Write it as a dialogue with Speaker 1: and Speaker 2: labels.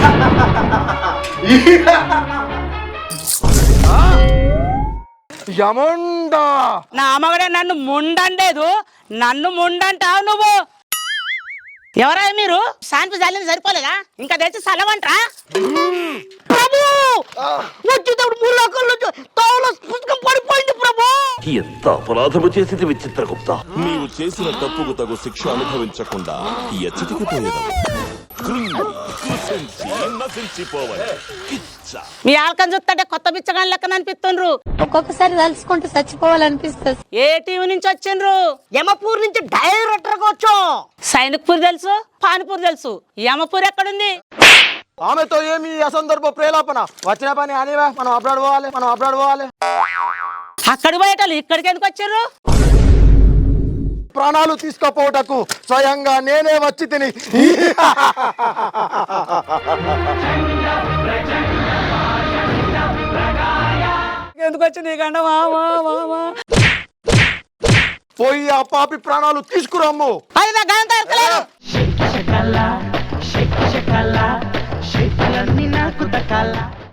Speaker 1: యముండా
Speaker 2: నా అమ్మగడే నన్ను ముండండేదు, నన్ను ముండంటావు నువ్వు. ఎవరా మీరు? శాంతి జాలిని సరిపోలేదా? ఇంకా తెచ్చి సలవంటరా? ప్రభు వచ్చేటప్పుడు ముళ్ళకల్లో తోవలో పుస్తకం పడిపోయింది ప్రభు.
Speaker 3: ఎంత అపరాధము చేసింది విచిత్రగుప్త.
Speaker 4: నీవు చేసిన తప్పుకు తగు శిక్ష అనుభవించకుండా ఎచ్చటికిపోయేదము.
Speaker 2: మీ ఆల్కం చూస్తుంటే కొత్త బిచ్చగాని లెక్కన అనిపిస్తుండ్రు.
Speaker 5: ఒక్కొక్కసారి తలుచుకుంటూ చచ్చిపోవాలనిపిస్తుంది.
Speaker 2: ఏ టీవీ నుంచి వచ్చిండ్రు?
Speaker 6: యమపూర్ నుంచి డైరెక్టర్ గా వచ్చాం.
Speaker 2: సైనిక్పూర్ తెలుసు, పానిపూర్ తెలుసు, యమపూర్ ఎక్కడుంది?
Speaker 1: ఆమెతో ఏమి అసందర్భ ప్రేలాపన? వచ్చిన పని అనివా, మనం అబ్రాడ్ పోవాలి.
Speaker 2: అక్కడికి పోయేటోళ్ళు ఇక్కడికి ఎందుకు వచ్చారు?
Speaker 1: ప్రాణాలు తీసుకుపోవటకు స్వయంగా నేనే వచ్చి తిని.
Speaker 2: ఎందుకు వచ్చింది కండ?
Speaker 1: పోయి ఆ పాపి ప్రాణాలు తీసుకురమ్ము.
Speaker 2: అది నా గంట ఎరకలేదు.